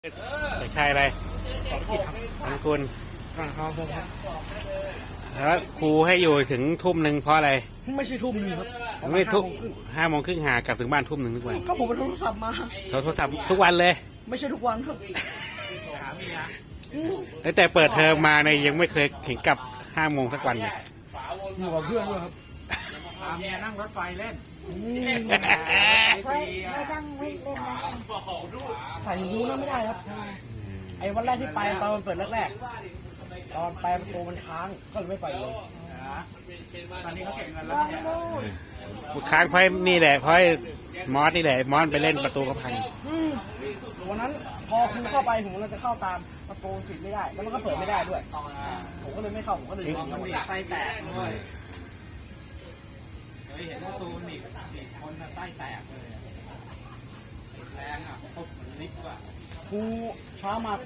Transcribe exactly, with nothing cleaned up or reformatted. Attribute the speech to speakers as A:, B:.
A: เด็กชายอะไรอังกุลแล้วครูให้อยู่ถึงทุ่มหนึ่งเพราะอะไร
B: ไม่ใช่ทุ่มหนึงครับ
A: ไม่ทุกห้าโมงครึ่งหากลับถึงบ้านทุ่มหนึ่งทุกวัน
B: ก็ผมไปโทรศัพท์มา
A: เขาโทรศัพท์ทุกวันเลย
B: ไม่ใช่ทุกวันครับ
A: ตั้งแต่เปิดเทอมมาเนี่ยยังไม่เคยเห็นกลับห้าโมงสักวันเลย
B: อยู่กับเพื่อนด้วยครับ
C: พาเมียนั่งรถไฟเล่น
D: ไม่ไม่ต้องวิ่งเล่นนะ
B: ใส่หูนะไม่ได้ครับ ไอ้วันแรกที่ไปตอนมันเปิดแรกๆตอนไปประตูมันค้างก็เลยไม่ไปเลย
C: ตอนนี้เขาเก็บเงิน
D: ล
C: แล้ว
D: อง
C: เนี่ย
D: ดู
A: ค้างเพราะนี่แหละเพราะมอสนี่แหละมอสไปเล่นประตูก็พัง
B: อืมวันนั้นพอครูเข้าไปผมเราจะเข้าตามประตูปิดไม่ได้ แล้วมันก็เปิดไม่ได้ด้วย ผมก็เลยไม่เข้าผมก็เลย
C: มันหนีบไส้แตกด้วยเคยเห็นว่าตูนหนีบหนีบคนน่ะไส้แตกเลยอะแรงอ่ะปุ๊บมันลิกว่ะ
B: ครูเช้ามา